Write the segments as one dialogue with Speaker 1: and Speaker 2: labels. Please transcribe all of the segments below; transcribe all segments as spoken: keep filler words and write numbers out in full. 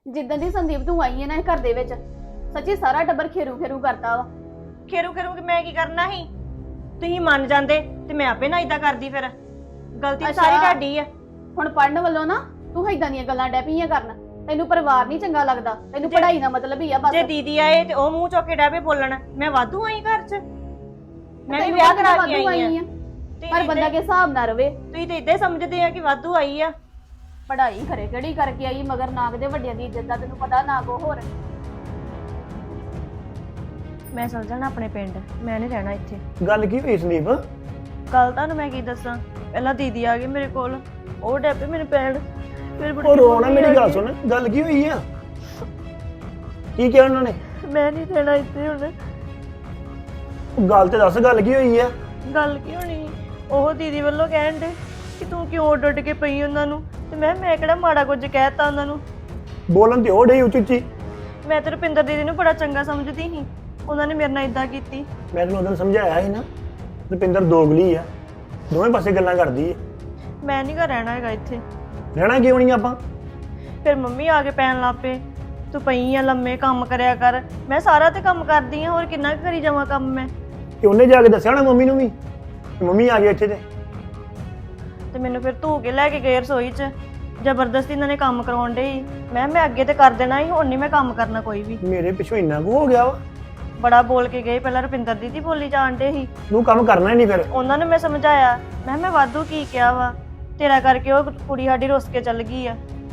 Speaker 1: ਜਿੱਦਾਂ ਦੀ ਸੰਦੀਪ ਤੂੰ ਆਈ ਹੈ ਨਾ ਇਹ ਘਰ ਦੇ ਵਿੱਚ ਸੱਚੀ ਸਾਰਾ ਟੱਬਰ ਖੇਰੂ ਖੇਰੂ ਕਰਦਾ ਵਾ।
Speaker 2: ਖੇਰੂ ਖੇਰੂ ਕਿ ਮੈਂ ਕੀ ਕਰਨਾ ਸੀ? ਤੁਸੀਂ ਮੰਨ ਜਾਂਦੇ ਤੇ ਮੈਂ ਆਪੇ ਨਾ ਇਦਾਂ ਕਰਦੀ। ਫਿਰ ਗਲਤੀ
Speaker 1: ਅੱਛਾ।
Speaker 2: ਸਾਰੀ ਤੁਹਾਡੀ ਆ।
Speaker 1: ਹੁਣ ਪੜਨ ਵੱਲੋਂ ਨਾ ਤੂੰ ਏਦਾਂ ਦੀਆਂ ਗੱਲਾਂ ਡੈ ਪਈਆਂ ਕਰਨ। ਤੈਨੂੰ ਪਰਿਵਾਰ ਨਹੀਂ ਚੰਗਾ ਲੱਗਦਾ, ਤੈਨੂੰ ਪੜ੍ਹਾਈ ਦਾ ਮਤਲਬ ਹੀ ਆ ਬਸ।
Speaker 2: ਜੇ ਦੀਦੀ ਆਏ ਤੇ ਉਹ ਮੂੰਹ ਚੁੱਕ ਕੇ ਡੈ ਪਏ ਬੋਲਣ। ਮੈਂ ਵਾਧੂ ਆਈ ਘਰ 'ਚ, ਮੈਂ ਵੀ
Speaker 1: ਤੈਨੂੰ
Speaker 2: ਵਿਆਹ
Speaker 1: ਪਤਾ
Speaker 2: ਕਰਾ
Speaker 1: ਵਾਧੂ
Speaker 2: ਕੇ ਆਈ
Speaker 1: ਆਈ
Speaker 2: ਆ।
Speaker 1: ਆ। ਪਰ ਬੰਦਾ ਕੇ ਹਿਸਾਬ ਨਾ ਰਵੇ।
Speaker 2: ਤੁਸੀਂ ਤੇ ਇਦਾਂ ਸਮਝਦੇ ਆ ਕਿ ਵਾਧੂ ਆਈ ਆ।
Speaker 1: ਪੜ੍ਹਾਈ ਖਰੇ ਕਿਹੜੀ ਕਰਕੇ ਆਈ ਮਗਰ ਨਾ ਕਿਤੇ ਵੱਡਿਆਂ ਦੀ ਇੱਜ਼ਤ ਦਾ ਤੈਨੂੰ ਪਤਾ ਨਾ ਕੋ ਹੋਰ।
Speaker 2: ਮੈਂ ਚਲ ਜਾਣਾ ਆਪਣੇ ਪਿੰਡ, ਮੈਂ ਨਹੀਂ ਰਹਿਣਾ ਇੱਥੇ।
Speaker 3: ਗੱਲ ਕੀ ਹੋਈ ਸੰਦੀਪ?
Speaker 2: ਕੱਲ ਤੁਹਾਨੂੰ ਮੈਂ ਕੀ ਦੱਸਾਂ, ਪਹਿਲਾਂ ਦੀਦੀ ਆ ਗਈ ਮੇਰੇ ਕੋਲ, ਉਹ ਡੈ ਪਏ ਮੈਨੂੰ ਪੈਣ। ਫਿਰ
Speaker 3: ਉਹ ਰੋਣਾ, ਮੇਰੀ ਗੱਲ ਸੁਣ, ਗੱਲ ਕੀ ਹੋਈ ਆ? ਕੀ ਕਿਹਾ ਉਹਨਾਂ ਨੇ?
Speaker 2: ਮੈਂ ਨਹੀਂ ਰਹਿਣਾ ਇੱਥੇ ਹੁਣ।
Speaker 3: ਗੱਲ ਤੇ ਦੱਸ, ਗੱਲ ਕੀ ਹੋਈ ਆ?
Speaker 2: ਗੱਲ ਕੀ ਹੋਣੀ, ਉਹ ਦੀਦੀ ਵੱਲੋਂ ਕਹਿਣ ਦੇ ਕਿ ਤੂੰ ਕਿਉਂ ਉੱਡ ਉੱਡ ਕੇ ਪਈ ਉਹਨਾਂ ਨੂੰ। ਤੇ ਮੈਂ ਮੈਂ ਕਿਹੜਾ ਮਾੜਾ ਕੁਝ ਕਹਿਤਾ ਉਹਨਾਂ ਨੂੰ।
Speaker 3: ਬੋਲਣ ਤੇ ਉਹ ਡੇ ਉੱਚੀ ਉੱਚੀ।
Speaker 2: ਮੈਂ ਤੇ ਰੁਪਿੰਦਰ ਦੀਦੀ ਨੂੰ ਬੜਾ ਚੰਗਾ ਸਮਝਦੀ ਸੀ, ਉਹਨਾਂ ਨੇ ਮੇਰੇ ਨਾਲ ਇਦਾਂ ਕੀਤੀ।
Speaker 3: ਮੈਂ ਤੈਨੂੰ ਉਦੋਂ ਸਮਝਾਇਆ ਸੀ ਨਾ, ਰੁਪਿੰਦਰ ਦੋਗਲੀ ਆ, ਦੋਵੇਂ ਪਾਸੇ ਗੱਲਾਂ ਕਰਦੀ ਆ।
Speaker 2: ਮੈਂ ਨਹੀਂ ਘਰ ਰਹਿਣਾ ਹੈਗਾ ਇੱਥੇ।
Speaker 3: ਰਹਿਣਾ ਕਿਉਂ ਨਹੀਂ ਆਪਾਂ?
Speaker 2: ਫਿਰ ਮੰਮੀ ਆ ਕੇ ਪੈਣ ਲੱਗ ਪਏ, ਤੂੰ ਪਈ ਆ ਲੰਮੇ, ਕੰਮ ਕਰਿਆ ਕਰ। ਮੈਂ ਸਾਰਾ ਤੇ ਕੰਮ ਕਰਦੀ ਆ, ਹੋਰ ਕਿੰਨਾ ਕੁ ਕਰੀ ਜਾਵਾਂ ਕੰਮ ਮੈਂ।
Speaker 3: ਤੇ ਉਹਨੇ ਜਾ ਕੇ ਦੱਸਿਆ ਨਾ ਮੰਮੀ ਨੂੰ ਵੀ, ਮੰਮੀ ਆ ਗਈ ਇੱਥੇ ਤੇ
Speaker 2: ਤੇ ਮੈਨੂੰ ਫਿਰ ਧੂ ਕੇ ਲੈ ਕੇ ਗਏ ਰਸੋਈ 'ਚ, ਜ਼ਬਰਦਸਤੀ ਇਹਨਾਂ ਨੇ ਕੰਮ ਕਰਾਉਣ ਡੇ। ਮੈਂ ਮੈਂ ਅੱਗੇ ਤੇ ਕਰ ਦੇਣਾ ਸੀ, ਹੁਣ ਨਹੀਂ ਮੈਂ ਕੰਮ ਕਰਨਾ ਕੋਈ ਵੀ।
Speaker 3: ਮੇਰੇ ਪਿੱਛੋਂ ਇੰਨਾ ਕੁ ਹੋ ਗਿਆ ਵਾ।
Speaker 2: ਬੜਾ ਬੋਲ ਕੇ ਗਏ, ਪਹਿਲਾਂ ਰੁਪਿੰਦਰ ਦੀਦੀ ਬੋਲੀ ਜਾਣ ਡੇ ਸੀ।
Speaker 3: ਤੂੰ ਕੰਮ ਕਰਨਾ ਹੀ ਨਹੀਂ ਫਿਰ।
Speaker 2: ਉਹਨਾਂ ਨੂੰ ਮੈਂ ਸਮਝਾਇਆ, ਮੈਂ ਮੈਂ ਵਾਧੂ ਕੀ ਕਿਹਾ ਵਾ, ਤੇਰਾ ਕਰਕੇ ਉਹ ਕੁੜੀ ਸਾਡੀ ਰੁੱਸ ਕੇ ਚੱਲ ਗਈ ਆ।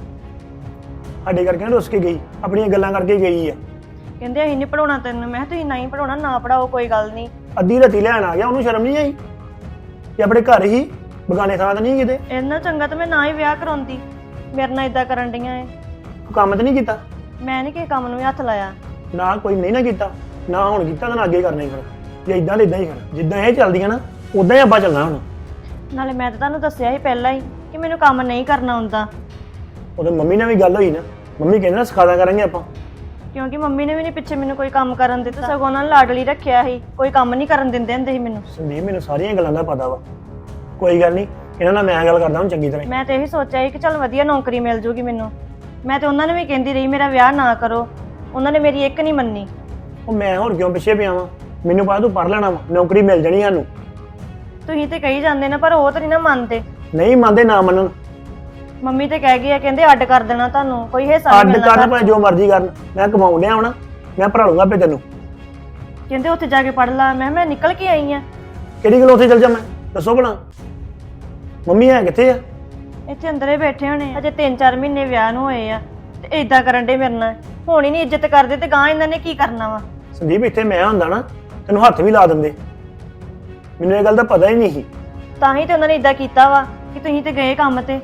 Speaker 3: ਸਾਡੇ ਕਰਕੇ ਨਾ ਰੁੱਸ ਕੇ ਗਈ, ਆਪਣੀਆਂ ਗੱਲਾਂ ਕਰਕੇ ਗਈ ਆ।
Speaker 2: ਕਹਿੰਦੇ ਅਸੀਂ ਨਹੀਂ ਪੜਾਉਣਾ ਤੈਨੂੰ। ਮੈਂ ਕਿਹਾ ਤੁਸੀਂ ਨਹੀਂ ਪੜਾਉਣਾ, ਨਾ ਪੜਾਓ, ਕੋਈ ਗੱਲ ਨਹੀਂ।
Speaker 3: ਅੱਧੀ ਰਾਤੀ ਲੈਣ ਆ ਗਿਆ, ਉਹਨੂੰ ਸ਼ਰਮ ਨਹੀਂ ਆਈ ਕਿ ਆਪਣੇ ਘਰ ਹੀ, ਬਗਾਨੇ ਥਾਂ ਤਾਂ ਨਹੀਂ ਕਿਤੇ।
Speaker 2: ਇੰਨਾ ਚੰਗਾ ਤਾਂ ਮੈਂ ਨਾ ਹੀ ਵਿਆਹ ਕਰਾਉਂਦੀ, ਮੇਰੇ ਨਾਲ ਇਦਾਂ ਕਰਨ ਡੀਆਂ ਏ।
Speaker 3: ਤੂੰ ਕੰਮ ਤਾਂ ਨਹੀਂ ਕੀਤਾ?
Speaker 2: ਮੈਂ ਨਹੀਂ ਕਿਸੇ ਕੰਮ ਨੂੰ ਵੀ ਹੱਥ ਲਾਇਆ।
Speaker 3: ਨਾ ਕੋਈ ਨਹੀਂ ਨਾ ਕੀਤਾ, ਨਾ ਹੁਣ ਕੀਤਾ ਤਾਂ ਨਾ ਅੱਗੇ ਕਰਨਾ ਹੀ ਫਿਰ। ਜੇ ਇਦਾਂ ਦੇ ਇਦਾਂ ਹੀ ਫਿਰ, ਜਿੱਦਾਂ ਇਹ ਚੱਲਦੀਆਂ ਨਾ ਉਦਾਂ ਹੀ ਆਪਾਂ ਚੱਲਣਾ ਹੁਣ।
Speaker 2: ਨਾਲੇ ਮੈਂ ਤਾਂ ਤੁਹਾਨੂੰ ਦੱਸਿਆ ਸੀ ਪਹਿਲਾਂ ਹੀ ਕਿ ਮੈਨੂੰ ਕੰਮ ਨਹੀਂ ਕਰਨਾ ਆਉਂਦਾ।
Speaker 3: ਉਦੋਂ ਮੰਮੀ ਨਾਲ ਵੀ ਗੱਲ ਹੋਈ ਨਾ, ਮੰਮੀ ਕਹਿੰਦੇ ਨਾ ਸਿਖਾਦਾ ਕਰਾਂਗੇ ਆਪਾਂ।
Speaker 2: ਕਿਉਂਕਿ ਮੰਮੀ ਨੇ ਵੀ ਨਹੀਂ ਪਿੱਛੇ ਮੈਨੂੰ ਕੋਈ ਕੰਮ ਕਰਨ ਦਿੱਤਾ, ਸਗੋਂ ਉਹਨਾਂ ਨੇ ਲਾਡਲੀ ਰੱਖਿਆ ਸੀ, ਕੋਈ ਕੰਮ ਨਹੀਂ ਕਰਨ ਦਿੰਦੇ ਹੁੰਦੇ ਸੀ ਮੈਨੂੰ।
Speaker 3: ਸੰਦੀਪ ਮੈਨੂੰ ਸਾਰੀਆਂ ਗੱਲਾਂ ਦਾ ਪਤਾ ਵਾ, ਕੋਈ ਗੱਲ ਨਹੀਂ, ਇਹਨਾਂ ਨਾਲ ਮੈਂ ਗੱਲ ਕਰਦਾ ਹੁਣ ਚੰਗੀ ਤਰ੍ਹਾਂ।
Speaker 2: ਮੈਂ ਤੇ ਇਹੀ ਸੋਚਿਆ ਸੀ ਕਿ ਚੱਲ ਵਧੀਆ ਨੌਕਰੀ ਮਿਲ ਜੂਗੀ ਮੈਨੂੰ। ਮੈਂ ਤੇ ਉਹਨਾਂ ਨੂੰ ਵੀ ਕਹਿੰਦੀ ਰਹੀ ਮੇਰਾ ਵਿਆਹ ਨਾ ਕਰੋ, ਉਹਨਾਂ ਨੇ ਮੇਰੀ ਇੱਕ ਨਹੀਂ ਮੰਨੀ।
Speaker 3: ਉਹ ਮੈਂ ਹੋਰ ਕਿਉਂ ਪਿੱਛੇ ਪਿਆ ਵਾਂ? ਮੈਨੂੰ ਪਤਾ ਤੂੰ ਪੜ੍ਹ ਲੈਣਾ ਵਾ, ਨੌਕਰੀ ਮਿਲ ਜਾਣੀ ਸਾਨੂੰ।
Speaker 2: ਤੁਸੀਂ ਤੇ ਕਹੀ ਜਾਂਦੇ ਨਾ, ਪਰ ਉਹ ਤਾਂ ਨਹੀਂ ਨਾ ਮੰਨਦੇ।
Speaker 3: ਨਹੀਂ ਮੰਨਦੇ, ਨਾ ਮੰਨਣ।
Speaker 2: ਮੰਮੀ ਤੇ ਕਹਿ ਗਈ ਆ, ਕਹਿੰਦੇ ਅੱਡ ਕਰ ਦੇਣਾ ਤੁਹਾਨੂੰ, ਕੋਈ ਹਿੱਸਾ
Speaker 3: ਅੱਡ
Speaker 2: ਨਹੀਂ
Speaker 3: ਕਰਨ
Speaker 2: ਮਿਲਣਾ।
Speaker 3: ਭਾਵੇਂ ਜੋ ਮਰਜ਼ੀ ਕਰਨ, ਮੈਂ ਕਮਾਉਣ ਡਿਆ ਹੋਣਾ, ਮੈਂ ਭਰਾ ਲੂੰਗਾ ਆਪੇ ਤੈਨੂੰ।
Speaker 2: ਕਹਿੰਦੇ ਉੱਥੇ ਜਾ ਕੇ ਪੜ ਲਾ। ਮੈਂ ਮੈਂ ਨਿਕਲ ਕੇ ਆਈ ਆ।
Speaker 3: ਕਿਹੜੀ ਗੱਲ ਉੱਥੇ ਚੱਲ ਜਾ, ਮੈਂ ਦੱਸੋ ਭਲਾ ਮੰਮੀ ਹੈ ਕਿੱਥੇ ਆ?
Speaker 2: ਇੱਥੇ ਅੰਦਰੇ ਬੈਠੇ ਹੋਣੇ, ਅਜੇ ਤਿੰਨ ਚਾਰ ਮਹੀਨੇ ਵਿਆਹ ਨੂੰ ਹੋਏ ਆ ਤੇ ਇਦਾਂ ਕਰਨ ਡੇ ਮੇਰੇ ਨਾਲ। ਹੁਣ ਹੀ ਨਹੀਂ ਇੱਜ਼ਤ ਕਰਦੇ ਤੇ ਗਾਂ ਇਹਨਾਂ ਨੇ ਕੀ ਕਰਨਾ ਵਾ।
Speaker 3: ਸੰਦੀਪ ਇੱਥੇ ਮੈਂ ਹੁੰਦਾ ਨਾ ਤੈਨੂੰ ਹੱਥ ਵੀ ਲਾ ਦਿੰਦੇ, ਮੈਨੂੰ ਇਹ ਗੱਲ ਦਾ ਪਤਾ ਹੀ ਨਹੀਂ ਸੀ।
Speaker 2: ਤਾਂ ਹੀ ਤੇ ਉਹਨਾਂ ਨੇ ਇਦਾਂ ਕੀਤਾ ਵਾ ਕਿ ਤੁਸੀਂ ਤੇ ਗਏ ਕੰਮ ਤੇ।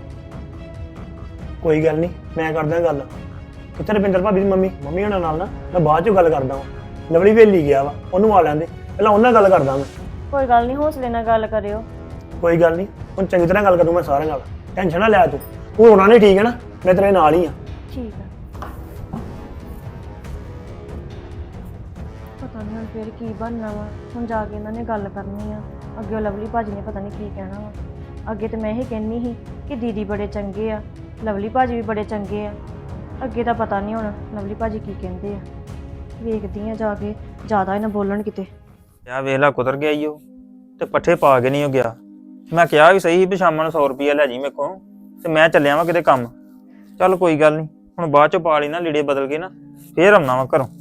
Speaker 3: ਕੋਈ ਗੱਲ ਨਹੀਂ, ਮੈਂ ਕਰਦਾ ਗੱਲ। ਕਿੱਥੇ ਰੁਪਿੰਦਰ ਭਾਬੀ ਦੀ ਮੰਮੀ? ਮੰਮੀ ਉਹਨਾਂ ਨਾਲ ਨਾ ਮੈਂ ਬਾਅਦ ਚੋਂ ਗੱਲ ਕਰਦਾ ਵਾਂ। ਲਵਲੀ ਵੇਲੀ ਗਿਆ ਵਾ, ਉਹਨੂੰ ਆ ਲੈਂਦੇ, ਪਹਿਲਾਂ ਉਹਨਾਂ ਨਾਲ ਗੱਲ ਕਰਦਾ ਮੈਂ।
Speaker 2: ਕੋਈ ਗੱਲ ਨਹੀਂ, ਹੌਸਲੇ ਨਾਲ ਗੱਲ ਕਰਿਓ।
Speaker 3: ਕੋਈ ਗੱਲ ਨਹੀਂ, ਹੁਣ ਚੰਗੀ ਤਰ੍ਹਾਂ ਗੱਲ ਕਰੂੰ ਮੈਂ ਸਾਰਿਆਂ ਨਾਲ, ਟੈਨਸ਼ਨ ਨਾ ਲੈ ਤੂੰ। ਤੂੰ ਰੋਣਾ ਨਹੀਂ, ਠੀਕ ਹੈ ਨਾ? ਮੈਂ ਤੇਰੇ ਨਾਲ ਹੀ ਆ।
Speaker 2: ਠੀਕ ਆ। ਪਤਾ ਨਹੀਂ ਹੁਣ ਫਿਰ ਕੀ ਬਣਨਾ ਵਾ। ਹੁਣ ਜਾ ਕੇ ਇਹਨਾਂ ਨੇ ਗੱਲ ਕਰਨੀ ਆ। ਅੱਗੇ ਉਹ ਲਵਲੀ ਭਾਜੀ ਨੇ ਪਤਾ ਨਹੀਂ ਕੀ ਕਹਿਣਾ ਵਾ। ਅੱਗੇ ਤੇ ਮੈਂ ਇਹ ਕਹਿੰਨੀ ਸੀ ਕਿ ਦੀਦੀ ਬੜੇ ਚੰਗੇ ਆ, ਲਵਲੀ ਭਾਜੀ ਵੀ ਬੜੇ ਚੰਗੇ ਆ। ਅੱਗੇ ਤਾਂ ਪਤਾ ਨਹੀਂ ਹੁਣ ਲਵਲੀ ਭਾਜੀ ਕੀ ਕਹਿੰਦੇ ਆ। ਵੇਖਦੀ ਆ ਜਾ ਕੇ, ਜ਼ਿਆਦਾ ਇਹਨਾਂ ਬੋਲਣ ਕਿਤੇ।
Speaker 4: ਯਾ ਵੇਲਾ ਕੁਤਰ ਗਿਆ ਈ ਉਹ ਤੇ ਪੱਠੇ ਪਾ ਕੇ ਨਹੀਂ ਉਹ ਗਿਆ। ਮੈਂ ਕਿਹਾ ਵੀ ਸਹੀ ਵੀ ਸ਼ਾਮਾਂ ਨੂੰ ਸੌ ਰੁਪਈਆ ਲੈ ਜੀ ਮੇਰੇ ਕੋਲ, ਤੇ ਮੈਂ ਚੱਲਿਆ ਵਾਂ ਕਿਤੇ ਕੰਮ। ਚੱਲ ਕੋਈ ਗੱਲ ਨਹੀਂ, ਹੁਣ ਬਾਅਦ ਚੋਂ ਪਾ ਲਈ ਨਾ ਲੀੜੇ ਬਦਲ ਕੇ ਨਾ, ਫੇਰ ਆਉਣਾ ਵਾ ਘਰੋਂ।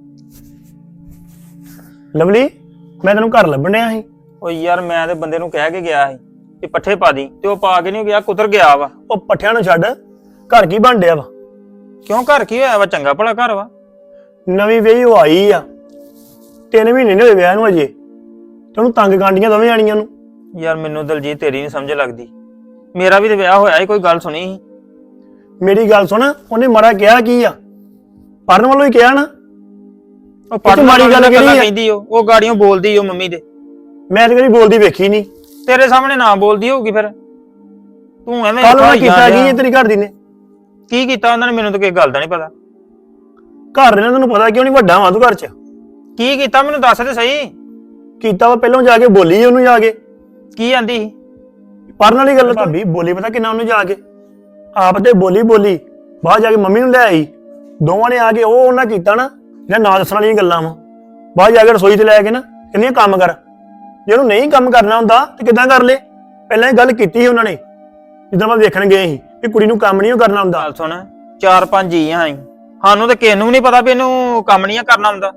Speaker 3: ਲਵਲੀ, ਮੈਂ ਤੈਨੂੰ ਘਰ ਲੱਭਣ ਡਿਆ ਸੀ।
Speaker 4: ਉਹ ਯਾਰ ਮੈਂ ਤੇ ਬੰਦੇ ਨੂੰ ਕਹਿ ਕੇ ਗਿਆ ਸੀ ਕਿ ਪੱਠੇ ਪਾ ਦੀ, ਤੇ ਉਹ ਪਾ ਕੇ ਨਹੀਂ ਗਿਆ, ਕੁਤਰ ਗਿਆ ਵਾ।
Speaker 3: ਉਹ ਪੱਠਿਆਂ ਨੂੰ ਛੱਡ, ਘਰ ਕੀ ਬਣ ਡਿਆ ਵਾ?
Speaker 4: ਕਿਉਂ, ਘਰ ਕੀ ਹੋਇਆ ਵਾ? ਚੰਗਾ ਭਲਾ ਘਰ ਵਾ।
Speaker 3: ਨਵੀਂ ਵਿਆਹੀ ਉਹ ਆਈ ਆ, ਤਿੰਨ ਮਹੀਨੇ ਨਹੀਂ ਹੋਏ ਵਿਆਹ ਨੂੰ ਅਜੇ, ਤੇ ਉਹਨੂੰ ਤੰਗ ਕਾਂਡੀਆਂ ਦੋਵੇਂ ਜਾਣੀਆਂ ਨੂੰ।
Speaker 4: ਯਾਰ ਮੈਨੂੰ ਦਲਜੀਤ ਤੇਰੀ ਨਹੀਂ ਸਮਝ ਲੱਗਦੀ, ਮੇਰਾ ਵੀ ਤੇ ਵਿਆਹ ਹੋਇਆ ਸੀ, ਕੋਈ ਗੱਲ ਸੁਣੀ ਸੀ?
Speaker 3: ਮੇਰੀ ਗੱਲ ਸੁਣ, ਉਹਨੇ ਮਾੜਾ ਕਿਹਾ ਕੀ ਆ? ਪੜਨ ਵੱਲੋਂ ਹੀ ਕਿਹਾ ਨਾ।
Speaker 4: ਉਹ ਪੜਨ ਮਾੜੀ ਗੱਲ ਕਹਿੰਦੀ, ਉਹ ਉਹ ਗਾੜੀਆਂ ਬੋਲਦੀ ਉਹ ਮੰਮੀ ਦੇ।
Speaker 3: ਮੈਂ ਤੇ ਕਦੀ ਬੋਲਦੀ ਵੇਖੀ ਨਹੀਂ।
Speaker 4: ਤੇਰੇ ਸਾਹਮਣੇ ਨਾ ਬੋਲਦੀ ਹੋਊਗੀ, ਫਿਰ ਤੂੰ ਐਵੇਂ
Speaker 3: ਕੱਲ ਉਹਨਾਂ ਕੀਤਾ ਕੀ ਤੇਰੀ ਘਰ ਦੀ ਨੇ?
Speaker 4: ਕੀ ਕੀਤਾ ਉਹਨਾਂ ਨੇ? ਮੈਨੂੰ ਤਾਂ ਕਿਸੇ ਗੱਲ ਦਾ ਨਹੀਂ ਪਤਾ।
Speaker 3: ਘਰ ਦੇ ਨੇ ਤੈਨੂੰ ਪਤਾ ਕਿਉਂ ਨਹੀਂ? ਵੱਡਾ ਵਾਂ ਤੂੰ ਘਰ ਚ।
Speaker 4: ਕੀ ਕੀਤਾ ਮੈਨੂੰ ਦੱਸ ਤੇ ਸਹੀ।
Speaker 3: ਕੀਤਾ ਵਾ ਪਹਿਲਾਂ ਜਾ ਕੇ ਬੋਲੀ ਉਹਨੂੰ ਜਾ ਕੇ।
Speaker 4: ਕੀ ਆਂਦੀ?
Speaker 3: ਪੜਨ ਵਾਲੀ ਗੱਲ ਭਾਬੀ ਬੋਲੀ ਪਤਾ ਕਿੰਨਾ ਉਹਨੂੰ ਜਾ ਕੇ, ਆਪ ਤੇ ਬੋਲੀ ਬੋਲੀ ਬਾਹਰ ਜਾ ਕੇ ਮੰਮੀ ਨੂੰ ਲੈ ਆਈ, ਦੋਵਾਂ ਨੇ ਆ ਕੇ ਉਹ ਉਹਨਾਂ ਕੀਤਾ ਨਾ ਜਿਹੜਾ ਨਾ ਦੱਸਣ ਵਾਲੀਆਂ ਗੱਲਾਂ ਵਾ। ਬਾਅਦ ਜਾ ਕੇ ਰਸੋਈ 'ਚ ਲੈ ਕੇ ਨਾ ਕਹਿੰਦੀਆਂ ਕੰਮ ਕਰ। ਜੇ ਉਹਨੂੰ ਨਹੀਂ ਕੰਮ ਕਰਨਾ ਹੁੰਦਾ ਤੇ ਕਿੱਦਾਂ ਕਰ ਲੇ? ਪਹਿਲਾਂ ਇਹ ਗੱਲ ਕੀਤੀ ਸੀ ਉਹਨਾਂ ਨੇ ਜਿੱਦਾਂ ਮੈਂ ਵੇਖਣ ਗਏ ਸੀ ਕਿ ਕੁੜੀ ਨੂੰ ਕੰਮ ਨਹੀਂ ਕਰਨਾ ਹੁੰਦਾ।
Speaker 4: ਗੱਲ ਸੁਣ, ਚਾਰ ਪੰਜ ਜੀ ਆਂ ਅਸੀਂ, ਸਾਨੂੰ ਤੇ ਕਿਸੇ ਨੂੰ ਵੀ ਨਹੀਂ ਪਤਾ ਵੀ ਇਹਨੂੰ ਕੰਮ ਨਹੀਂ ਕਰਨਾ ਹੁੰਦਾ।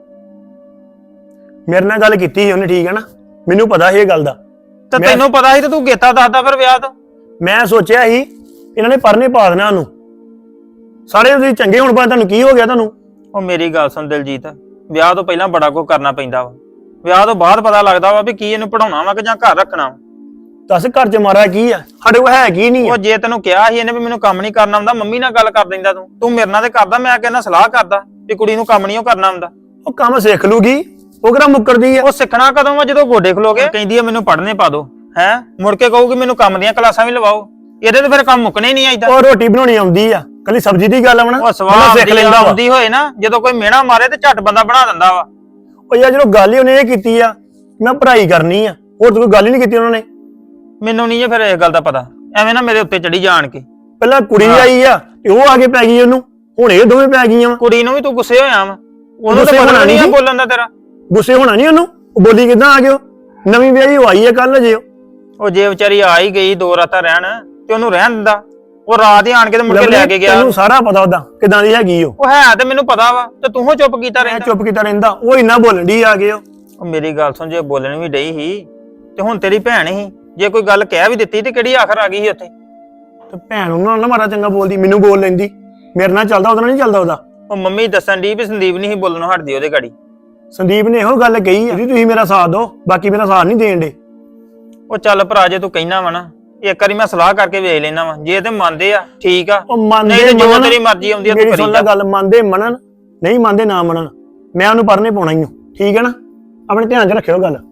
Speaker 3: ਮੇਰੇ ਨਾਲ ਗੱਲ ਕੀਤੀ ਸੀ ਉਹਨੇ, ਠੀਕ ਹੈ ਨਾ, ਮੈਨੂੰ ਪਤਾ ਸੀ ਇਹ ਗੱਲ ਦਾ।
Speaker 4: ਤੇ
Speaker 3: ਮੈਂ-
Speaker 4: ਤੈਨੂੰ ਪਤਾ ਸੀ ਤੇ ਤੂੰ ਗੇਤਾ ਦੱਸਦਾ ਫਿਰ ਵਿਆਹ ਤੋਂ।
Speaker 3: ਮੈਂ ਸੋਚਿਆ ਸੀ ਇਹਨਾਂ ਨੇ ਪਰਨੇ ਪਾ ਦੇਣਾ ਉਹਨੂੰ, ਸਾਰੇ ਤੁਸੀਂ ਚੰਗੇ ਹੁਣ ਪਾ, ਤੁਹਾਨੂੰ ਕੀ ਹੋ ਗਿਆ ਤੁਹਾਨੂੰ?
Speaker 4: ਉਹ ਮੇਰੀ ਗੱਲ ਸੁਣ ਦਿਲਜੀਤ, ਵਿਆਹ ਤੋਂ ਪਹਿਲਾਂ ਬੜਾ ਕੁਝ ਕਰਨਾ ਪੈਂਦਾ ਵਾ, ਵਿਆਹ ਤੋਂ ਬਾਅਦ ਪਤਾ ਲੱਗਦਾ ਵਾ ਵੀ ਕੀ ਇਹਨੂੰ ਪੜਾਉਣਾ ਵਾ ਕਿ ਜਾਂ ਘਰ ਰੱਖਣਾ ਵਾ।
Speaker 3: ਦੱਸ ਘਰ 'ਚ ਮਾਰਾ ਕੀ ਆ? ਸਾਡੇ ਕੋਲ ਹੈ ਕੀ ਨਹੀਂ
Speaker 4: ਉਹ
Speaker 3: ਆ?
Speaker 4: ਜੇ ਤੈਨੂੰ ਕਿਹਾ ਸੀ ਇਹਨੇ ਵੀ ਮੈਨੂੰ ਕੰਮ ਨਹੀਂ ਕਰਨਾ ਹੁੰਦਾ, ਮੰਮੀ ਨਾਲ ਗੱਲ ਕਰ ਦਿੰਦਾ ਤੂੰ ਤੂੰ ਮੇਰੇ ਨਾਲ ਤੇ ਕਰਦਾ, ਮੈਂ ਕਹਿੰਦਾ ਸਲਾਹ ਕਰਦਾ ਵੀ ਕੁੜੀ ਨੂੰ ਕੰਮ ਨਹੀਂ ਉਹ ਕਰਨਾ ਹੁੰਦਾ।
Speaker 3: ਉਹ ਕੰਮ ਸਿੱਖ ਲੂਗੀ, ਉਹ ਕਿਹੜਾ ਮੁੱਕਰਦੀ ਆ?
Speaker 4: ਉਹ ਸਿੱਖਣਾ ਕਦੋਂ ਵਾ? ਜਦੋਂ ਗੋਡੇ ਖਲੋਗੇ ਕਹਿੰਦੀ ਆ ਮੈਨੂੰ ਪੜ੍ਹਨੇ ਪਾ ਦੋ, ਹੈ ਮੁੜ ਕੇ ਕਹੂਗੀ ਮੈਨੂੰ ਕੰਮ ਦੀਆਂ ਕਲਾਸਾਂ ਵੀ ਲਵਾਓ। ਇਹਦੇ ਤੇ ਫਿਰ ਕੰਮ ਮੁੱਕਣੇ ਹੀ ਨਹੀਂ ਆਈਦਾ।
Speaker 3: ਉਹ ਰੋਟੀ ਬਣਾਉਣੀ ਆਉਂਦੀ ਆ, ਕੱਲੀ ਸਬਜ਼ੀ ਦੀ ਗੱਲ ਆਵਣਾ
Speaker 4: ਉਹ ਸਵਾਹ ਸਿੱਖ ਲੈਂਦਾ ਹੁੰਦੀ ਹੋਏ ਨਾ, ਜਦੋਂ ਕੋਈ ਮਿਹਣਾ ਮਾਰੇ ਤੇ ਝੱਟ ਬੰਦਾ ਬਣਾ ਦਿੰਦਾ ਵਾ।
Speaker 3: ਉਹ ਯਾਰ ਜਦੋਂ ਗੱਲ ਹੀ ਉਹਨੇ ਇਹ ਕੀਤੀ ਆ ਮੈਂ ਪੜ੍ਹਾਈ ਕਰਨੀ ਆ, ਹੋਰ ਤਾਂ ਕੋਈ ਗੱਲ ਹੀ ਨਹੀਂ ਕੀਤੀ ਉਹਨਾਂ ਨੇ।
Speaker 4: ਮੈਨੂੰ ਨਹੀਂ ਜੇ ਫਿਰ ਇਸ ਗੱਲ ਦਾ ਪਤਾ, ਐਵੇਂ ਨਾ ਮੇਰੇ ਉੱਤੇ ਚੜੀ ਜਾਣ ਕੇ।
Speaker 3: ਪਹਿਲਾਂ ਕੁੜੀ ਆਈ ਆ ਤੇ ਉਹ ਆ ਕੇ ਪੈ ਗਈ ਉਹਨੂੰ, ਹੁਣ ਇਹ ਦੋਵੇਂ ਪੈ ਗਈਆਂ ਵਾ।
Speaker 4: ਕੁੜੀ ਨੂੰ ਵੀ ਤੂੰ ਗੁੱਸੇ ਹੋਇਆ ਵਾ, ਉਹਨੂੰ
Speaker 3: ਗੁੱਸੇ
Speaker 4: ਤਾਂ ਪਤਾ
Speaker 3: ਹੋਣਾ
Speaker 4: ਨਹੀਂ ਆ
Speaker 3: ਨੀ।
Speaker 4: ਬੋਲਣ ਦਾ ਤੇਰਾ।
Speaker 3: ਗੁੱਸੇ ਹੋਣਾ ਨਹੀਂ ਉਹਨੂੰ, ਉਹ ਬੋਲੀ ਕਿੱਦਾਂ ਆ ਗਿਓ? ਨਵੀਂ ਵਿਆਹੀ ਉਹ ਆਈ ਆ ਕੱਲ ਜੇ।
Speaker 4: ਉਹ ਜੇ ਵਿਚਾਰੀ ਆ ਹੀ ਗਈ ਦੋ ਰਾਤਾਂ ਰਹਿਣ ਤੇ ਉਹਨੂੰ ਰਹਿਣ ਦਿੰਦਾ, ਉਹ ਰਾਤ ਹੀ ਆਣ ਕੇ ਤੇ ਮੁੜ ਕੇ ਲੈ ਕੇ ਗਿਆ।
Speaker 3: ਤੈਨੂੰ ਸਾਰਾ ਪਤਾ ਉਹਦਾ ਕਿਦਾਂ ਦੀ ਹੈਗੀ ਉਹ।
Speaker 4: ਉਹ ਹੈ ਤੇ ਮੈਨੂੰ ਪਤਾ ਵਾ, ਤੇ ਤੂੰ ਹੋ ਚੁੱਪ ਕੀਤਾ
Speaker 3: ਮੈਂ
Speaker 4: ਰਹਿੰਦਾ।
Speaker 3: ਚੁੱਪ ਕੀਤਾ ਰਹਿੰਦਾ, ਉਹ ਇੰਨਾ ਬੋਲਣ ਦੀ ਆ ਗਏ ਉਹ।
Speaker 4: ਉਹ ਮੇਰੀ ਗੱਲ ਸੁਣ, ਜੇ ਬੋਲਣ ਵੀ ਡਈ ਸੀ ਤੇ ਹੁਣ ਤੇਰੀ ਭੈਣ ਸੀ, ਜੇ ਕੋਈ ਗੱਲ ਕਹਿ ਵੀ ਦਿੱਤੀ ਤੇ ਕਿਹੜੀ ਆਖਰ ਆ ਗਈ ਸੀ ਉੱਥੇ?
Speaker 3: ਤੇ ਭੈਣ ਉਹਨਾਂ ਨਾਲ ਨਾ ਮਾਰਾ ਚੰਗਾ ਬੋਲਦੀ, ਮੈਨੂੰ ਬੋਲ ਲੈਂਦੀ। ਮੇਰੇ ਨਾਲ ਚੱਲਦਾ, ਉਹਦੇ ਨਾਲ ਨਹੀਂ ਚੱਲਦਾ ਉਹਦਾ।
Speaker 4: ਉਹ ਮੰਮੀ ਦੱਸਣ ਦੀ ਵੀ ਸੰਦੀਪ ਨਹੀਂ ਸੀ ਬੋਲਣੋਂ ਹਟਦੀ ਉਹਦੇ ਗਾੜੀ।
Speaker 3: ਸੰਦੀਪ ਨੇ ਇਹੋ ਗੱਲ ਕਹੀ ਆ, ਤੁਸੀਂ ਮੇਰਾ ਸਾਥ ਦਿਓ, ਬਾਕੀ ਮੇਰਾ ਸਾਥ ਨਹੀਂ ਦੇਣ ਦੇ।
Speaker 4: ਉਹ ਚੱਲ ਭਰਾ, ਜੇ ਤੂੰ ਕਹਿਣਾ ਵਾ ਨਾ, ਇੱਕ ਵਾਰੀ ਮੈਂ ਸਲਾਹ ਕਰਕੇ ਵੇਖ ਲੈਣਾ ਵਾ, ਜੇ ਤੇ ਮੰਨਦੇ ਆ ਠੀਕ ਆ,
Speaker 3: ਉਹ ਮੰਨਦੇ
Speaker 4: ਨਹੀਂ ਤੇ ਜੋ
Speaker 3: ਮੰਨਣ,
Speaker 4: ਤੇਰੀ ਮਰਜ਼ੀ ਆਉਂਦੀ ਆ ਤੂੰ
Speaker 3: ਮੇਰੀ ਸੁਣ ਲੈ
Speaker 4: ਕਰੀ ਜਾ।
Speaker 3: ਗੱਲ, ਮੰਨਦੇ ਮੰਨਣ, ਨਹੀਂ ਮੰਨਦੇ ਨਾ ਮੰਨਣ, ਮੈਂ ਉਹਨੂੰ ਪਰਨੇ ਪਾਉਣਾ ਹੀ ਹਾਂ, ਠੀਕ ਹੈ ਨਾ? ਆਪਣੇ ਧਿਆਨ 'ਚ ਰੱਖਿਓ ਗੱਲ।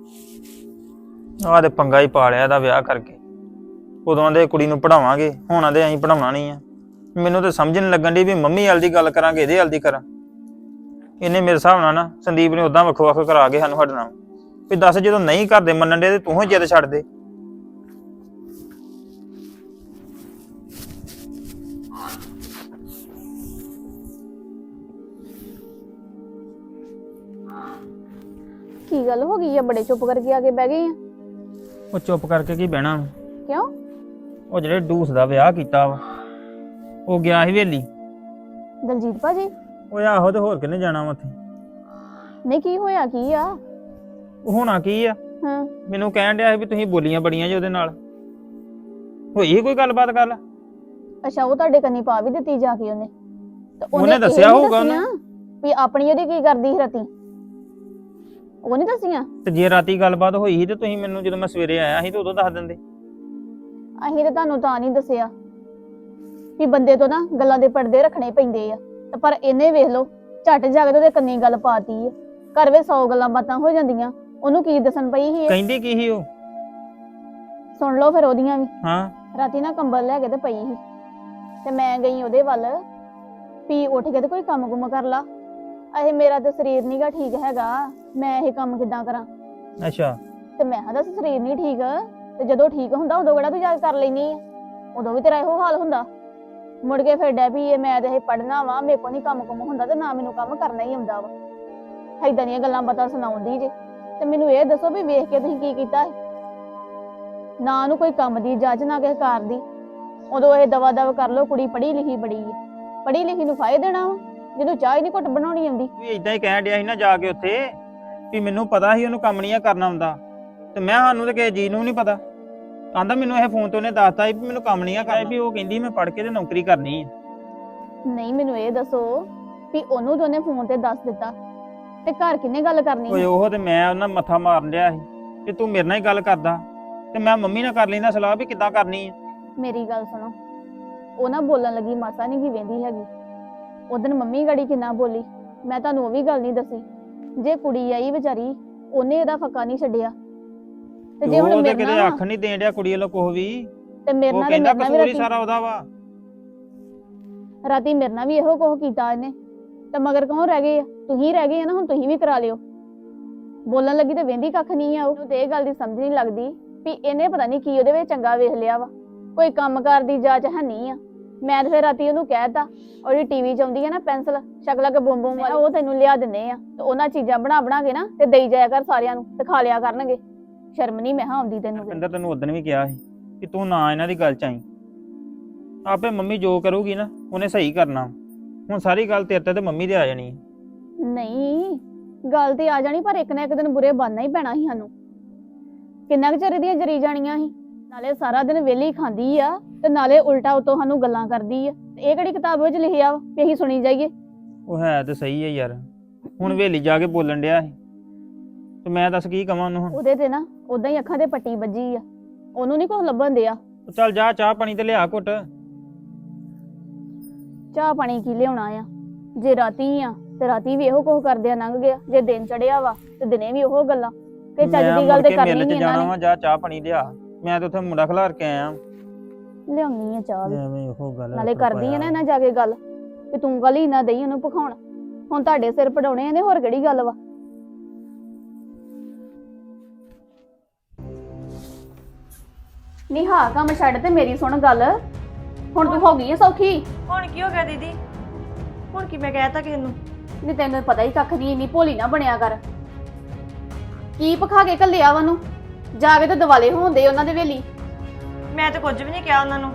Speaker 4: ਆਹ ਤੇ ਪੰਗਾ ਹੀ ਪਾ ਲਿਆ ਇਹਦਾ ਵਿਆਹ ਕਰਕੇ। ਉਦੋਂ ਦੇ ਕੁੜੀ ਨੂੰ ਪੜਾਵਾਂਗੇ, ਹੁਣ ਆਂਦੇ ਅਸੀਂ ਪੜਾਉਣਾ ਨਹੀਂ ਆ। ਮੈਨੂੰ ਤਾਂ ਸਮਝ ਨਹੀਂ ਲੱਗਣ ਦੀ ਵੀ ਮੰਮੀ ਵਾਲ ਦੀ ਗੱਲ ਕਰਾਂਗੇ ਇਹਦੇ ਵਾਲ ਦੀ ਕਰਾਂ। ਇਹਨੇ ਮੇਰੇ ਹਿਸਾਬ ਨਾਲ ਨਾ ਸੰਦੀਪ ਨੇ ਉਦਾਂ ਵੱਖੋ ਵੱਖ ਕਰਾ ਕੇ ਸਾਨੂੰ ਹਟਣਾ ਵੀ ਦੱਸ, ਜਦੋਂ ਨਹੀਂ ਕਰਦੇ ਮੰਨਣ ਦੇ ਤੇ ਤੂੰ ਹੀ ਜਿੱਦ ਛੱਡ ਦੇ।
Speaker 1: ਕੀ ਗੱਲ ਹੋ ਗਈ ਆ? ਬੜੇ ਚੁੱਪ ਕਰਕੇ ਆ ਕੇ ਬਹਿ ਗਏ ਆ।
Speaker 4: ਉਹ ਚੁੱਪ ਕਰਕੇ ਕੀ ਬਹਿਣਾ?
Speaker 1: ਕਿਉਂ?
Speaker 4: ਉਹ ਜਿਹੜੇ ਡੂਸ ਦਾ ਵਿਆਹ ਕੀਤਾ ਵਾ, ਉਹ ਗਿਆ ਸੀ ਹਵੇਲੀ।
Speaker 1: ਦਲਜੀਤ ਭਾਜੀ?
Speaker 4: ਉਹ ਆਹੋ, ਤੇ ਹੋਰ ਕਿੰਨੇ ਜਾਣਾ ਵਾ ਉੱਥੇ?
Speaker 1: ਨਹੀਂ ਕੀ ਹੋਇਆ? ਕੀ ਆ?
Speaker 4: ਉਹ ਹੋਣਾ ਕੀ ਆ,
Speaker 1: ਹਾਂ,
Speaker 4: ਮੈਨੂੰ ਕਹਿਣ ਡਿਆ ਸੀ ਵੀ ਤੁਸੀਂ ਬੋਲੀਆਂ ਬੜੀਆਂ ਜੀ ਉਹਦੇ ਨਾਲ। ਹੋਈ ਕੋਈ ਗੱਲਬਾਤ ਗੱਲ?
Speaker 1: ਅੱਛਾ, ਉਹ ਤੁਹਾਡੇ ਕੰਨੀ ਪਾ ਵੀ ਦਿੱਤੀ ਜਾ ਕੇ ਉਹਨੇ? ਤੇ
Speaker 4: ਉਹਨੇ
Speaker 1: ਇਹ
Speaker 4: ਦੱਸਿਆ
Speaker 1: ਨੀ
Speaker 4: ਹੋਊਗਾ
Speaker 1: ਦੱਸੀਆਂ ਵੀ ਆਪਣੀ ਉਹਦੀ ਕੀ ਕਰਦੀ ਸੀ ਰਾਤੀ? ਉਹ ਨਹੀਂ ਦੱਸੀਆਂ?
Speaker 4: ਤੇ ਜੇ ਰਾਤੀ ਗੱਲਬਾਤ ਹੋਈ ਸੀ ਤੇ ਤੁਸੀਂ ਮੈਨੂੰ ਜਦੋਂ ਮੈਂ ਸਵੇਰੇ ਆਇਆ ਸੀ ਤੇ ਉਦੋਂ ਦੱਸ ਦਿੰਦੇ।
Speaker 1: ਅਸੀਂ ਤੇ ਤੁਹਾਨੂੰ ਤਾਂ ਨਹੀਂ ਦੱਸਿਆ ਵੀ ਬੰਦੇ ਤੋਂ ਨਾ ਗੱਲਾਂ ਦੇ ਪਰਦੇ ਰੱਖਣੇ ਪੈਂਦੇ ਆ, ਤੇ ਪਰ ਇਹਨੇ ਵੇਖ ਲਓ ਝੱਟ ਜਾ ਕੇ ਉਹਦੇ ਕੰਨੀ ਗੱਲ ਪਾਤੀ ਆ। ਘਰ ਵਿੱਚ ਸੌ ਗੱਲਾਂ ਬਾਤਾਂ ਹੋ ਜਾਂਦੀਆਂ, ਉਹਨੂੰ ਕੀ ਦੱਸਣ ਪਈ ਸੀ ਇਹ?
Speaker 4: ਕਹਿੰਦੀ ਕੀ ਸੀ ਉਹ?
Speaker 1: ਸੁਣ ਲਓ ਫਿਰ ਉਹਦੀਆਂ ਵੀ।
Speaker 4: ਹਾਂ,
Speaker 1: ਰਾਤੀ ਨਾ ਕੰਬਲ ਲੈ ਕੇ ਤੇ ਪਈ ਸੀ, ਤੇ ਮੈਂ ਗਈ ਉਹਦੇ ਵੱਲ ਵੀ ਉੱਠ ਕੇ ਤੇ ਕੋਈ ਕੰਮ ਕੁਮ ਕਰ ਲਾ। ਇਹ ਮੇਰਾ ਤੇ ਸਰੀਰ ਨੀਗਾ ਠੀਕ ਹੈਗਾ, ਮੈਂ ਇਹ ਕੰਮ ਕਿੱਦਾਂ ਕਰਾਂ?
Speaker 4: ਅੱਛਾ।
Speaker 1: ਤੇ ਮੈਂ ਕਿਹਾ ਦੱਸ ਸਰੀਰ ਨਹੀਂ ਠੀਕ, ਤੇ ਜਦੋਂ ਠੀਕ ਹੁੰਦਾ ਉਦੋਂ ਕਿਹੜਾ ਤੂੰ ਜਾ ਕੇ ਕਰ ਲੈਨੀ ਆ? ਉਦੋਂ ਵੀ ਤੇਰਾ ਇਹੋ ਹਾਲ ਹੁੰਦਾ। ਮੁੜ ਕੇ ਫਿਰ ਡੈ ਵੀ ਇਹ ਮੈਂ ਤੇ ਇਹ ਪੜ੍ਹਨਾ ਵਾ, ਮੇਰੇ ਕੋਲ ਨਹੀਂ ਕੰਮ ਕੁਮ ਹੁੰਦਾ, ਤੇ ਨਾ ਮੈਨੂੰ ਕੰਮ ਕਰਨਾ ਹੀ ਆਉਂਦਾ ਵਾ। ਏਦਾਂ ਦੀਆਂ ਗੱਲਾਂ ਬਾਤਾਂ ਸੁਣਾਉਂਦੀ ਜੇ। ਤੇ ਮੈਨੂੰ ਇਹ ਦੱਸੋ ਵੀ ਵੇਖ ਕੇ ਤੁਸੀਂ ਕੀ ਕੀਤਾ? ਨਾ ਉਹਨੂੰ ਕੋਈ ਕੰਮ ਦੀ ਜੱਜ, ਨਾ ਕਿਸੇ ਕਾਰ ਦੀ। ਉਦੋਂ ਇਹ ਦਵਾ ਦਵ ਕਰ ਲੋ, ਕੁੜੀ ਪੜ੍ਹੀ ਲਿਖੀ ਬੜੀ ਹੈ, ਪੜ੍ਹੀ ਲਿਖੀ ਨੂੰ ਫਾਇਦਾ ਦੇਣਾ ਵਾ ਜਦੋਂ ਚਾਹ ਹੀ ਨਹੀਂ ਘੁੱਟ ਬਣਾਉਣੀ ਆਉਂਦੀ।
Speaker 4: ਵੀ ਇਦਾਂ ਹੀ ਕਹਿਣ ਡਿਆ ਸੀ ਨਾ ਜਾ ਕੇ ਉੱਥੇ ਵੀ ਮੈਨੂੰ ਪਤਾ ਸੀ ਉਹਨੂੰ ਕੰਮ ਨਹੀਂ ਕਰਨਾ ਹੁੰਦਾ, ਤੇ ਮੈਂ ਸਾਨੂੰ ਤੇ ਕਿਸੇ ਜੀ ਨੂੰ ਨਹੀਂ ਪਤਾ। ਕਹਿੰਦਾ ਮੈਨੂੰ ਇਹ ਫੋਨ ਤੋਂ ਉਹਨੇ ਦੱਸਤਾ ਵੀ ਮੈਨੂੰ ਕੰਮ ਨਹੀਂ ਕਰਨਾ, ਵੀ ਉਹ ਕਹਿੰਦੀ ਮੈਂ ਪੜ੍ਹ ਕੇ ਤੇ ਨੌਕਰੀ ਕਰਨੀ ਹੈ।
Speaker 1: ਨਹੀਂ, ਮੈਨੂੰ ਇਹ ਦੱਸੋ ਵੀ ਉਹਨੂੰ ਤਾਂ ਉਹਨੇ ਫੋਨ ਤੇ ਦੱਸ ਦਿੱਤਾ, ਤੇ ਘਰ ਕਿੰਨੇ ਗੱਲ ਕਰਨੀ?
Speaker 4: ਓਏ ਉਹ ਤੇ ਮੈਂ ਉਹਨਾਂ ਮੱਥਾ ਮਾਰਨ ਡਿਆ ਸੀ ਕਿ ਤੂੰ ਮੇਰੇ ਨਾਲ ਹੀ ਗੱਲ ਕਰਦਾ, ਤੇ ਮੈਂ ਮੰਮੀ ਨਾਲ ਕਰ ਲੈਂਦਾ ਸਲਾਹ ਵੀ ਕਿੱਦਾਂ ਕਰਨੀ ਹੈ।
Speaker 1: ਮੇਰੀ ਗੱਲ ਸੁਣੋ, ਉਹ ਨਾ ਬੋਲਣ ਲੱਗੀ ਮਾਸਾ ਨਹੀਂ ਕੀ ਵੇਂਦੀ ਹੈਗੀ। ਉਦੋਂ ਮੰਮੀ ਗੜੀ ਕਿੰਨਾ ਬੋਲੀ, ਮੈਂ ਤੁਹਾਨੂੰ ਉਹ ਵੀ ਗੱਲ ਨਹੀਂ ਦੱਸੀ। ਜੇ ਕੁੜੀ ਆਈ ਵਿਚਾਰੀ, ਉਹਨੇ ਇਹਦਾ ਫੱਕਾ ਨਹੀਂ ਛੱਡਿਆ। ਤੇ ਜੇ ਹੁਣ
Speaker 4: ਉਹ ਤੇ
Speaker 1: ਮੇਰੇ
Speaker 4: ਕਿਤੇ
Speaker 1: ਨਾਲ
Speaker 4: ਅੱਖ ਨਹੀਂ ਦੇਣ ਡਿਆ ਕੁੜੀ ਵੱਲੋਂ ਕੁਛ ਵੀ,
Speaker 1: ਤੇ ਮੇਰੇ
Speaker 4: ਉਹ
Speaker 1: ਨਾਲ ਤੇ
Speaker 4: ਕਹਿੰਦਾ
Speaker 1: ਮੇਰੇ ਨਾਲ ਵੀ
Speaker 4: ਕਸੂਰ ਹੀ
Speaker 1: ਰਾਤੀ
Speaker 4: ਸਾਰਾ ਉਹਦਾ ਵਾ।
Speaker 1: ਰਾਤੀ ਮੇਰੇ ਨਾਲ ਵੀ ਇਹੋ ਕੁਝ ਕੀਤਾ ਇਹਨੇ, ਤੇ ਮਗਰ ਕੌਣ ਰਹਿ ਗਏ ਆ? ਤੁਸੀਂ ਰਹਿ ਗਏ ਆ ਨਾ, ਹੁਣ ਤੁਸੀਂ ਵੀ ਕਰਾ ਲਿਓ। ਬੋਲਣ ਲੱਗੀ ਤੇ ਵੇਂਦੀ ਕੱਖ ਨਹੀਂ ਆ। ਉਹ ਤੇ ਇਹ ਗੱਲ ਦੀ ਸਮਝ ਨਹੀਂ ਲੱਗਦੀ ਵੀ ਇਹਨੇ ਪਤਾ ਨਹੀਂ ਕੀ ਉਹਦੇ ਵਿੱਚ ਚੰਗਾ ਵੇਖ ਲਿਆ ਵਾ। ਕੋਈ ਕੰਮਕਾਰ ਦੀ ਜਾਚ ਹੈ ਨਹੀਂ ਆ, ਮੈਂ ਤੇ ਫਿਰ ਰਾਤੀ ਉਹਨੂੰ ਕਹਿਤਾ ਉਹਦੀ ਟੀਵੀ ਚ ਆਉਂਦੀ ਹੈ ਨਾ ਪੈਨਸਲ ਸ਼ਕਲਾਂ ਕੇ ਬੁੰਮ ਬੁੰਮ ਵਾਲੀ ਉਹ ਤੈਨੂੰ ਲਿਆ ਦਿੰਨੇ ਆ ਤੇ ਉਹਨਾਂ ਚੀਜ਼ਾਂ ਬਣਾ ਬਣਾ ਕੇ ਨਾ ਤੇ ਦੇਈ ਜਾਇਆ ਕਰ ਸਾਰਿਆਂ ਨੂੰ ਤੇ ਖਾ ਲਿਆ ਕਰਨਗੇ। ਸ਼ਰਮ ਨਹੀਂ ਮੈਂ ਹਾਂ ਆਉਂਦੀ ਤੈਨੂੰ ਤੇ।
Speaker 4: ਰੁਪਿੰਦਰ ਤੈਨੂੰ ਉਦੋਂ ਵੀ ਕਿਹਾ ਸੀ ਕਿ ਤੂੰ ਨਾ ਇਹਨਾਂ ਦੀ ਗੱਲ ਚ ਆਈ। ਆਪੇ ਮੰਮੀ ਜੋ ਕਰੂਗੀ ਨਾ ਉਹਨੇ ਸਹੀ ਕਰਨਾ। ਹੁਣ ਸਾਰੀ ਗੱਲ ਤੇਰੇ ਤੇ ਤੇ ਮੰਮੀ ਦੇ ਆ ਜਾਣੀ ਹੈ।
Speaker 1: ਨਹੀਂ ਗੱਲ ਤੇ ਆ ਜਾਣੀ ਪਰ ਇੱਕ ਨਾ ਇੱਕ ਦਿਨ ਬੁਰੇ ਬਣਨਾ ਹੀ ਪੈਣਾ ਸੀ ਸਾਨੂੰ। ਕਿੰਨਾ ਕੁ ਚਿਰ ਦੀਆਂ ਜਰੀ ਜਾਣੀਆਂ ਸੀ। ਨਾਲੇ ਸਾਰਾ ਦਿਨ ਵਿਹਲੀ ਖਾਂਦੀ ਆ ਤੇ ਨਾਲੇ ਉਲਟਾ ਉਤੋਂ ਸਾਨੂੰ ਗੱਲਾਂ ਕਰਦੀ ਆ। ਤੇ ਇਹ ਕਿਹੜੀ ਕਿਤਾਬ ਵਿੱਚ ਲਿਖਿਆ ਵਾ ਕਿ ਅਸੀਂ ਸੁਣੀ ਜਾਈਏ?
Speaker 4: ਉਹ ਹੈ ਤੇ ਸਹੀ ਹੈ ਯਾਰ। ਹੁਣ ਹਵੇਲੀ ਜਾ ਕੇ ਬੋਲਣ ਡਿਆ ਸੀ ਤੇ ਮੈਂ ਦੱਸ ਕੀ ਕਵਾਂ ਉਹਨੂੰ ਹੁਣ।
Speaker 1: ਉਹਦੇ ਤੇ ਨਾ ਉਦਾਂ ਹੀ ਅੱਖਾਂ ਤੇ ਪੱਟੀ ਵੱਜੀ ਆ। ਉਹਨੂੰ ਨਹੀਂ ਕੁਝ ਲੱਭਣ ਦਿਆ।
Speaker 4: ਚੱਲ ਜਾ ਚਾਹ ਪਾਣੀ ਤੇ ਲਿਆ ਘੁੱਟ।
Speaker 1: ਚਾਹ ਪਾਣੀ ਕੀ ਲਿਆਉਣਾ ਆ? ਜੇ ਰਾਤੀ ਆ ਤੇ ਰਾਤੀ ਵੀ ਇਹੋ ਕੁਝ ਕਰਦਿਆ ਲੰਘ ਗਿਆ। ਜੇ ਦਿਨ ਚੜਿਆ ਵਾ ਤੇ ਦਿਨੇ ਵੀ ਉਹੋ ਗੱਲਾਂ ਕਿ ਚੱਜ ਦੀ ਗੱਲ ਤੇ ਕਰਨੀ
Speaker 4: ਮਿਲ
Speaker 1: ਨਹੀਂ
Speaker 4: ਚ ਜਾਣਾ
Speaker 1: ਇਹਨਾਂ
Speaker 4: ਵਾ।
Speaker 1: ਨੇ।
Speaker 4: ਜਾ ਚਾਹ ਪਾਣੀ ਲਿਆ। ਮੈਂ ਤੇ ਉੱਥੇ ਮੁੰਡਾ ਖਿਲਾਰ ਕੇ ਆਇਆ।
Speaker 1: ਲਿਆਉਣੀ ਆ ਚਾਹ ਵੀ।
Speaker 4: ਐਵੇਂ ਉਹ ਗੱਲ
Speaker 1: ਨਾਲੇ ਕਰਦੀ ਆ ਨਾ ਇਹਨਾਂ ਜਾ ਕੇ ਗੱਲ ਕਿ ਤੂੰ ਗੱਲ ਹੀ ਨਾ ਦਈ ਉਹਨੂੰ ਭਖਾਉਣ। ਹੁਣ ਤੁਹਾਡੇ ਸਿਰ ਪੜਾਉਣੇ ਇਹਨੇ ਹੋਰ ਕਿਹੜੀ ਗੱਲ ਵਾ? ਨੀ ਹਾਂ ਕੰਮ ਛੱਡ ਤੇ ਮੇਰੀ ਸੁਣ ਗੱਲ। ਹੁਣ ਤੂੰ ਹੋ ਗਈ ਆ ਸੌਖੀ?
Speaker 2: ਹੁਣ ਕੀ ਹੋ ਗਿਆ ਦੀਦੀ? ਹੁਣ ਕੀ ਮੈਂ ਕਹਿਤਾ ਕਿਸੇ ਨੂੰ?
Speaker 1: ਨੀ ਤੈਨੂੰ ਪਤਾ ਹੀ ਕੱਖ ਨਹੀਂ। ਇੰਨੀ ਭੋਲੀ ਨਾ ਬਣਿਆ ਕਰ। ਕੀ ਭਖਾ ਕੇ ਘੱਲਿਆ ਵਾ ਨੂੰ? ਜਾ ਕੇ ਤੇ ਦਿਵਾਲੇ ਹੋਂਦੇ ਉਹਨਾਂ ਦੇ ਵੇਲੀ।
Speaker 2: ਮੈਂ ਤਾਂ ਕੁਝ ਵੀ ਨਹੀਂ ਕਿਹਾ ਉਹਨਾਂ ਨੂੰ।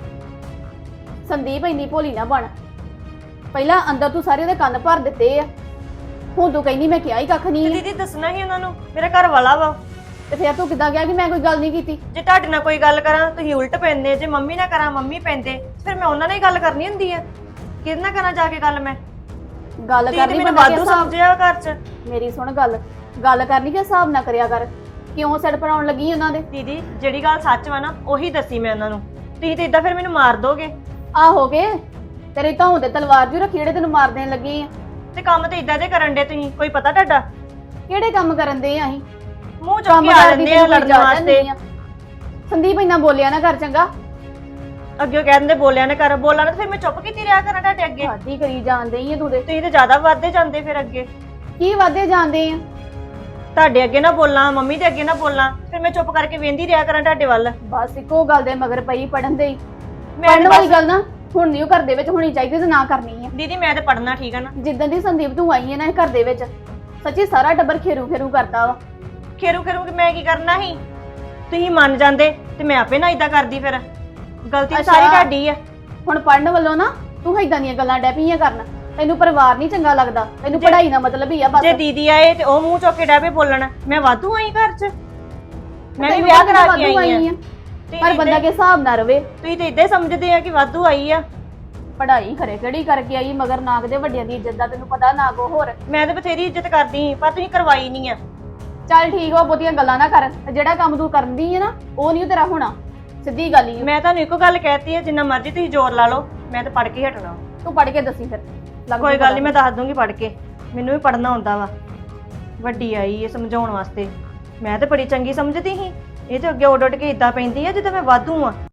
Speaker 1: ਸੰਦੀਪ ਇੰਨੀ ਭੋਲੀ ਨਾ ਬਣ। ਪਹਿਲਾਂ ਅੰਦਰ ਤੂੰ ਸਾਰੇ ਉਹਦੇ ਕੰਨ ਭਰ ਦਿੱਤੇ ਆ। ਹੁਣ ਤੂੰ ਕਹਿੰਦੀ ਮੈਂ ਕਿਹਾ ਹੀ ਕੱਖ
Speaker 2: ਤੇ
Speaker 1: ਨਹੀਂ।
Speaker 2: ਦੀਦੀ ਦੱਸਣਾ ਹੀ ਉਹਨਾਂ ਨੂੰ ਮੇਰਾ ਘਰ ਵਾਲਾ ਵਾ।
Speaker 1: ਤੇ ਫਿਰ ਤੂੰ ਕਿੱਦਾਂ ਕਿਹਾ ਕਿ ਮੈਂ ਕੋਈ ਗੱਲ ਨਹੀਂ ਕੀਤੀ?
Speaker 2: ਜੇ ਤੁਹਾਡੇ ਨਾਲ ਕੋਈ ਗੱਲ ਕਰਾਂ ਤੁਸੀਂ ਉਲਟ ਪੈਂਦੇ। ਜੇ ਮੰਮੀ ਨਾਲ ਕਰਾਂ ਮੰਮੀ ਪੈਂਦੇ। ਫਿਰ ਮੈਂ ਉਹਨਾਂ ਨਾਲ ਹੀ ਗੱਲ ਕਰਨੀ ਹੁੰਦੀ ਆ। ਕਿਹਦੇ ਨਾਲ ਕਰਾਂ ਜਾ ਕੇ ਗੱਲ? ਮੈਂ
Speaker 1: ਗੱਲ
Speaker 2: ਦੀਦੀ
Speaker 1: ਕਰਨੀ
Speaker 2: ਮੈਨੂੰ
Speaker 1: ਬੰਦਾ
Speaker 2: ਵਾਧੂ
Speaker 1: ਕਿਸ ਹਿਸਾਬ-
Speaker 2: ਸਮਝਿਆ ਘਰ 'ਚ।
Speaker 1: ਮੇਰੀ ਸੁਣ ਗੱਲ। ਗੱਲ ਕਰਨੀ ਕਿ ਹਿਸਾਬ ਨਾ ਕਰਿਆ ਕਰ। ਕਿਉਂ ਸਿਰ ਪਰਾਉਣ ਲੱਗੀ ਉਹਨਾਂ ਦੇ?
Speaker 2: ਦੀਦੀ ਜਿਹੜੀ ਗੱਲ ਸੱਚ ਵਾ ਨਾ ਉਹੀ ਦੱਸੀ ਮੈਂ ਉਹਨਾਂ ਨੂੰ। ਤੁਸੀਂ ਤੇ ਇਦਾਂ ਫਿਰ ਮੈਨੂੰ ਮਾਰ ਦੋਗੇ।
Speaker 1: ਆਹੋ ਕੇ ਤੇਰੇ ਧੌਣ ਤੇ ਤਲਵਾਰ ਜੂ ਰੱਖੀ ਜਿਹੜੇ ਤੈਨੂੰ ਮਾਰ ਦੇਣ ਲੱਗੀ ਆ।
Speaker 2: ਤੇ ਕੰਮ ਤੇ ਇਦਾਂ ਦੇ ਕਰਨ ਦੇ ਤੁਸੀਂ। ਕੋਈ ਪਤਾ ਤੁਹਾਡਾ?
Speaker 1: ਕਿਹੜੇ ਕੰਮ ਕਰਨ ਦੇ ਆ ਅਸੀਂ?
Speaker 2: ਮੂੰਹ ਚੁੱਕ ਕੇ ਆ ਜਾਂਦੇ ਆ ਲੜਨ ਵਾਸਤੇ।
Speaker 1: ਸੰਦੀਪ ਇੰਨਾ ਬੋਲਿਆ ਨਾ ਕਰ ਚੰਗਾ।
Speaker 2: ਅੱਗੇ ਕਹਿੰਦੇ ਬੋਲਿਆ ਨਾ ਕਰ। ਬੋਲਾਂ ਨਾ ਫਿਰ ਮੈਂ ਚੁੱਪ ਕੀਤੀ ਰਿਹਾ ਕਰਾਂ ਤੁਹਾਡੇ ਅੱਗੇ।
Speaker 1: ਸਾਡੀ ਕਰੀ ਜਾਂਦੇ ਹੀ ਆ ਤੂੰ ਦੇ।
Speaker 2: ਤੁਸੀਂ ਤੇ ਜ਼ਿਆਦਾ ਵੱਧਦੇ ਜਾਂਦੇ ਫਿਰ ਅੱਗੇ।
Speaker 1: ਕੀ ਵਾਦੇ ਜਾਂਦੇ ਆ?
Speaker 2: ਤੁਹਾਡੇ ਅੱਗੇ ਨਾ ਬੋਲਾਂ ਮੰਮੀ ਦੇ ਅੱਗੇ ਨਾ ਬੋਲਾਂ ਫਿਰ ਮੈਂ ਚੁੱਪ ਕਰਕੇ ਵੇਂਦੀ ਰਿਹਾ ਕਰਾਂ ਤੁਹਾਡੇ ਵੱਲ।
Speaker 1: ਬਸ ਇੱਕੋ ਗੱਲ ਦੇ ਮਗਰ ਪਈ ਪੜਨ ਦੇ ਹੀ।
Speaker 2: ਮੈਂ
Speaker 1: ਪੜਨ ਵਾਲੀ
Speaker 2: ਬਸ-
Speaker 1: ਗੱਲ ਨਾ ਹੁਣ ਨਹੀਂ ਉਹ ਘਰ ਦੇ ਵਿੱਚ ਹੋਣੀ ਚਾਹੀਦੀ ਤੇ ਨਾ ਕਰਨੀ ਆ।
Speaker 2: ਦੀਦੀ ਮੈਂ ਤੇ ਪੜਨਾ ਠੀਕ ਆ ਨਾ।
Speaker 1: ਜਿੱਦਾਂ ਦੀ ਸੰਦੀਪ ਤੂੰ ਆਈ ਹੈ ਨਾ ਇਹ ਘਰ ਦੇ ਵਿੱਚ ਸੱਚੀ ਸਾਰਾ ਟੱਬਰ ਖੇਰੂ ਖੇਰੂ ਕਰਦਾ ਵਾ।
Speaker 2: ਖੇਰੂ ਖੇਰੂ ਕਿ ਮੈਂ ਕੀ ਕਰਨਾ ਸੀ? ਤੁਸੀਂ ਮੰਨ ਜਾਂਦੇ ਤੇ ਮੈਂ ਆਪੇ ਨਾ ਇਦਾਂ ਕਰਦੀ। ਫਿਰ ਗਲਤੀ
Speaker 1: ਅੱਛਾ।
Speaker 2: ਸਾਰੀ ਤੁਹਾਡੀ ਆ।
Speaker 1: ਹੁਣ ਪੜਨ ਵੱਲੋਂ ਨਾ ਤੂੰ ਏਦਾਂ ਦੀਆਂ ਗੱਲਾਂ ਡੈ ਪਈਆਂ ਕਰਨ। ਤੈਨੂੰ ਪਰਿਵਾਰ ਨਹੀਂ ਚੰਗਾ ਲੱਗਦਾ। ਤੈਨੂੰ
Speaker 2: ਜੇ-
Speaker 1: ਪੜ੍ਹਾਈ ਦਾ ਮਤਲਬ ਹੀ ਆ ਬਸ।
Speaker 2: ਜੇ ਦੀਦੀ ਆਏ ਤੇ ਉਹ ਮੂੰਹ ਚੁੱਕ ਕੇ ਡਾਬੇ ਬੋਲਣ। ਮੈਂ ਵਾਧੂ ਆਈ ਘਰ 'ਚ। ਮੈਂ ਵੀ
Speaker 1: ਤੈਨੂੰ
Speaker 2: ਵਿਆਹ
Speaker 1: ਪਤਾ
Speaker 2: ਕਰਾ
Speaker 1: ਵਾਧੂ
Speaker 2: ਕੇ ਆਈ
Speaker 1: ਆਈ
Speaker 2: ਆ।
Speaker 1: ਆ। ਪਰ ਬੰਦਾ ਕੇ ਹਿਸਾਬ ਨਾ ਰਵੇ।
Speaker 2: ਤੁਸੀਂ ਤੇ ਇਦਾਂ ਸਮਝਦੇ ਆ ਕਿ ਵਾਧੂ ਆਈ ਆ।
Speaker 1: ਪੜ੍ਹਾਈ ਖਰੇ ਕਿਹੜੀ ਕਰਕੇ ਆਈ ਮਗਰ ਨਾ ਕਿਤੇ ਵੱਡਿਆਂ ਦੀ ਇੱਜ਼ਤ ਦਾ ਤੈਨੂੰ ਪਤਾ ਨਾ ਕੋ ਹੋਰ।
Speaker 2: ਮੈਂ ਤੇ ਬਥੇਰੀ ਇੱਜ਼ਤ ਕਰਦੀ ਸੀ ਪਰ ਤੁਸੀਂ ਕਰਵਾਈ ਨਹੀਂ ਆ।
Speaker 1: ਚੱਲ ਠੀਕ ਆ ਬਹੁਤੀਆਂ ਗੱਲਾਂ ਨਾ ਕਰ। ਜਿਹੜਾ ਕੰਮ ਤੂੰ ਕਰਦੀ ਹੈ ਨਾ ਉਹ ਨਹੀਂ ਤੇਰਾ ਹੋਣਾ। ਸਿੱਧੀ ਗੱਲ ਹੀ ਆ।
Speaker 2: ਮੈਂ ਤੁਹਾਨੂੰ ਇੱਕੋ ਗੱਲ ਕਹਿਤੀ ਹੈ ਜਿੰਨਾ ਮਰਜ਼ੀ ਤੁਸੀਂ ਜ਼ੋਰ ਲਾ ਲਓ ਮੈਂ ਤਾਂ ਪੜ ਕੇ ਹੀ ਹਟਣਾ।
Speaker 1: ਤੂੰ ਪੜ੍ਹ ਕੇ ਦੱਸੀ ਫਿਰ। ਲੱਗ
Speaker 2: ਕੋਈ
Speaker 1: ਜੂ
Speaker 2: ਗੱਲ
Speaker 1: ਪਤਾ।
Speaker 2: ਨਹੀਂ ਮੈਂ ਦੱਸ ਦੂੰਗੀ ਪੜ ਕੇ। ਮੈਨੂੰ ਵੀ ਪੜਨਾ ਆਉਂਦਾ ਵਾ। ਵੱਡੀ ਆਈ ਹੈ ਸਮਝਾਉਣ ਵਾਸਤੇ। ਮੈਂ ਤਾਂ ਬੜੀ ਚੰਗੀ ਸਮਝਦੀ ਸੀ। ਇਹ ਤੇ ਅੱਗੇ ਉੱਡ ਉੱਡ ਕੇ ਇਦਾਂ ਪੈਂਦੀ ਆ ਜਿੱਦਾਂ ਮੈਂ ਵਾਧੂ ਆ।